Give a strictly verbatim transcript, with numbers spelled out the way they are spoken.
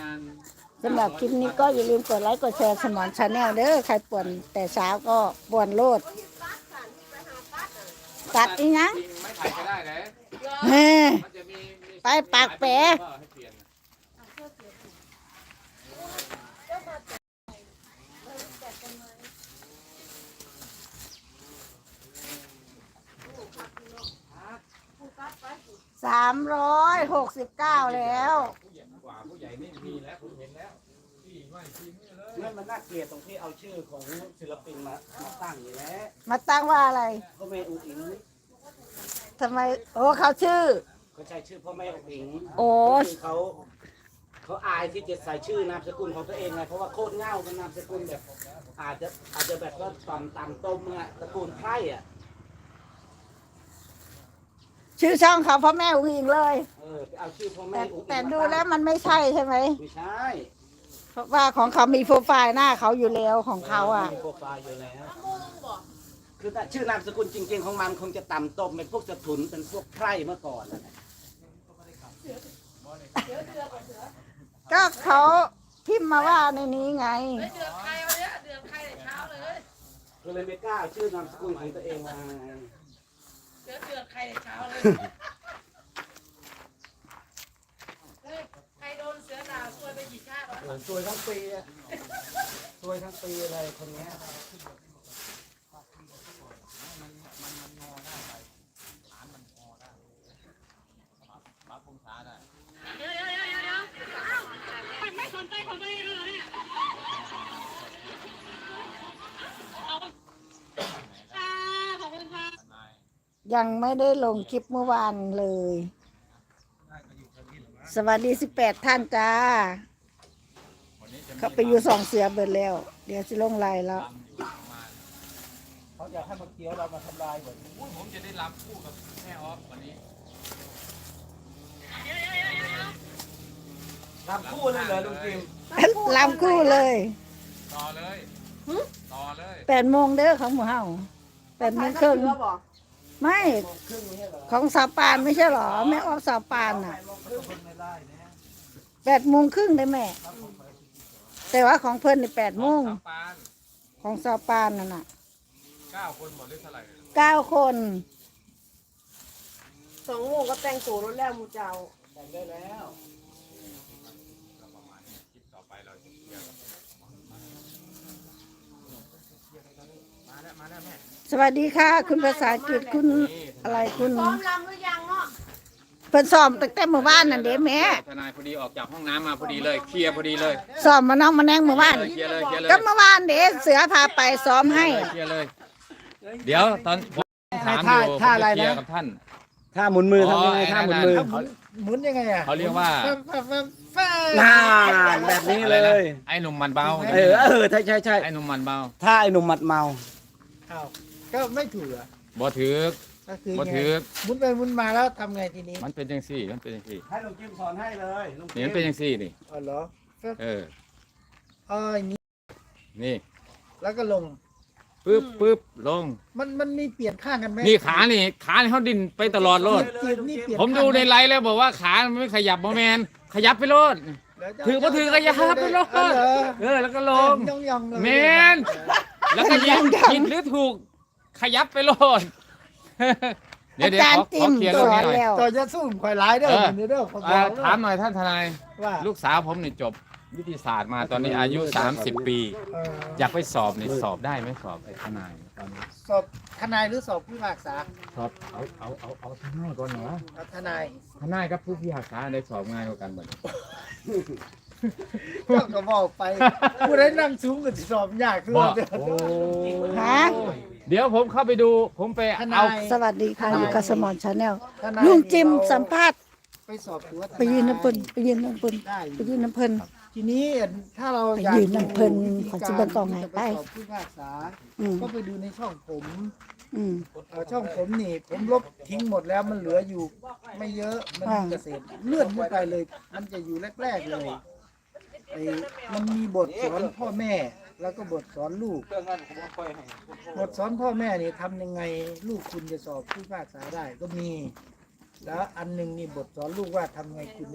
ณสำหรับคลิปนี้ก็อย่าลืมกดไลค์กดแชร์สมอนชาแนลเด้อใครป่วนแต่เช้าก็ป่วนโลดตัดอีกนะจริงไม่ถ่ายก็ได้เลยเฮ้ยมันจะมีมีไปปากแปะให้เปลี่ยนสามร้อยหกสิบเก้าแล้วผู้ใหญ่กว่าผู้ใหญ่นี่มีแล้วผมเห็นแล้วที่ไม่ทีมนี่เลยนั่นมันน่าเกลียดตรงที่เอาชื่อของศิลปินมามาตั้งอยู่แล้วมาตั้งว่าอะไรพ่อแม่อุ๋งอิงทำไมโอ้เขาชื่อเขาใช้ชื่อพ่อแม่อุ๋งอิงโอ้คือเขาเขาอายที่จะใส่ชื่อนามสกุลของตัวเองไงเพราะว่าโคตรเง่าเป็นนามสกุลแบบ อาจจะอาจจะแบบว่าตอนตำต้มอะตระกูลไพร่อะชื่อช่องเขาพ่อแม่อุ้งอิงเลยเออไปเอาชื่อพ่อแม่แต่อุ๋งอิงแต่มาดูตั้งแล้วมันไม่ใช่ใช่ไหมไม่ใช่เพราะว่าของเขามีโปรไฟล์หน้าเขาอยู่แล้วของเขาอ่ะมีโปรไฟล์อยู่แล้วคือแต่ชื่อนามสกุลจริง ๆ ของมันคงจะต่ำต้มเป็นพวกสถุนเป็นพวกไพร่เมื่อก่อนนะก็เขาพิมพ์มาว่าในนี้ไงเดือดใครวันนี้เดือดใครแต่เช้าเลยก็เลยไม่กล้าเอาชื่อนามสกุลของตัวเองมาไงเดือดเดือดใครแต่เช้าเลยเฮ้ยใครโดนเสือด่าซวยไปกี่ชาติวะเออซวยทั้งปีอะซวยทั้งปีเลยคนเนี้ยรับองศาได้เดี๋ยวเดี๋ยวเดี๋ยวเดี๋ยวอ้าวไม่สนใจของตัวเองเลยเนี่ยเอาอ่าขอบคุณค่ะยังไม่ได้ลงคลิปเมื่อวานเลย สวัสดีสิบแปดท่านจ้าวันนี้จะมีเขาไปอยู่สองเสือเบิดแล้ว เดี๋ยวจะลงไลน์แล้วลำอยู่ประมาณเขาอยากให้มาเคี้ยวเรามาทำลายหมดอุ้ยผมจะได้ลำคู่กับแม่ออฟวันนี้ทำคู่เลยเหรอลุงจิมลำคู่เลยต่อเลยต่อเลยแปดโมงเด้อของหมูเฮาแปดโมงครึ่งไม่ครึ่งนี้เหรอของสาวปานไม่ใช่หรอแม่ออฟสาวปานน่ะครึ่งคนไม่ได้นะแปดโมงครึ่งได้แม่ แต่ว่าของเพิ่นนี่แปดโมงสามปานของสาวปานนั่นน่ะเก้าคนหมดหรือเท่าไหร่เก้าคนสองโมงก็แต่งตัวรถแล้วมูเจ้าแต่งได้แล้วก็ประมาณนี้คลิปต่อไปเราจะเคลียร์กับมาแล้วมาแล้วแม่สวัสดีค่ะ คุณภาษาอังกฤษคุณอะไรคุณพร้อมลำหรือยังเนาะเพิ่นสอบตั้งแต่เมื่อวานนั่นเด้แม่ทนายพอดีออกจากห้องน้ำมาพอดีเลยเคลียร์พอดีเลยสอบมาน้องมาแนงเมื่อวานเคลียร์เลยเคลียร์เลยก็เมื่อวานเด้เสือพาไปซ้อมให้เคลียร์เลย เดี๋ยวตอนผมถามอยู่ผมจะเคลียร์กับท่านถ้าหมุนมือทำยังไงอ๋อถ้าหมุนมือไอ้นั่นหมุนยังไงอ่ะเขาเรียกว่าน่าแบบนี้เลยไอ้หนุ่มมันเบาเออเออใช่ใช่ใช่ไอ้หนุ่มมันเบาถ้าไอ้หนุ่มหมัดเมาอ้าวก็ไม่ถูกอ่ะบ่ถือก็คือบ่ไงถือมุนไปมุนมาแล้วทำไงทีนี้มันเป็นจังซี่มันเป็นจังซี่ให้ลุงจิมสอนให้เลยลุงจินี่มมันเป็นจังซี่นี่อ๋อเหรอก็เอออ๋ออย่างนี้นี่แล้วก็ลงปึ๊บปึ๊บลงมันมันมีเปลี่ยนข้างกันไหมนี่ขานี่ขานี่เขาดิ้นไปตลอดโลดเปลี่ยนนี่เปลี่ยนผมดูในไลฟ์แล้วบอกว่าขามันไม่ขยับบ่แมนขยับไปโลดแล้วจะถือบ่ถือก็อย่าหักไปโลดเอาเหรอเออแล้วก็ลงย่องย่องๆเลยแมนแล้วก็ยิงผิดหรือถูกขยับไปโลด เดี๋ยวอาเดี๋ยวจารขย์อติขอมเคลียร์สเรื่องอนี้นหน่อยแล้วต่อจะสู้ข่อยร้ายเด้อเออเดี๋ยวเด้อผมบเอ่ออกแล้วถามหน่อยท่านทนายว่าลูกสาวผมนี่จบวิทยาศาสตร์มาตอนนี้อายุ สามสิบ ปีเอออยากไปสอบนี่สอบได้ไหมสอบไอ้ทนายตอนนี้สอบทนายหรือสอบผู้พิพากษาสอบเอาเอาเอาเอาทนายก่อนเหรอเอาทนายทนายกับผู้พิพากษาได้สอบง่ายกว่ากันหมดเจ้าก็บอกไปผู้ใดนั่งสูงก็สิสอบยากขึ้นบอกเด้อโอ้ฮะเดี๋ยวผมเข้าไปดู ผมไปทนายเอาสวัสดีค่ะอยู่กับสมอนชาแนลทนายลุงจิมสัมภาษณ์ไปสอบถือว่าทไปยืนน้ำเพิ่นไปยืนน้ำเพิ่นได้ไปยืนน้ำเพิ่นทีนี้ถ้าเราไปอยากยืนน้ำเพิ่นดูวิธีขอสิเบิ่งกล้องให้จะไปสอบผู้พิพากษาอืมก็ไปดูในช่องผมอืมเอ่อช่องผมนี่ ผมลบทิ้งหมดแล้วมันเหลืออยู่ ไม่เยอะมันอ่าเกษตรเลื่อนขึ้นไปเลย มันจะอยู่แรกๆเลยไอ้มันมีบทสอนพ่อแม่ แล้วก็บทสอนลูกเรื่องนั้นผมก็ค่อยให้บทสอนพ่อแม่นี่ทำยังไงลูกคุณจะสอบผู้พิพากษาได้ก็มี แล้วอันหนึงนี่บทสอนลูกว่าทำไงคุณ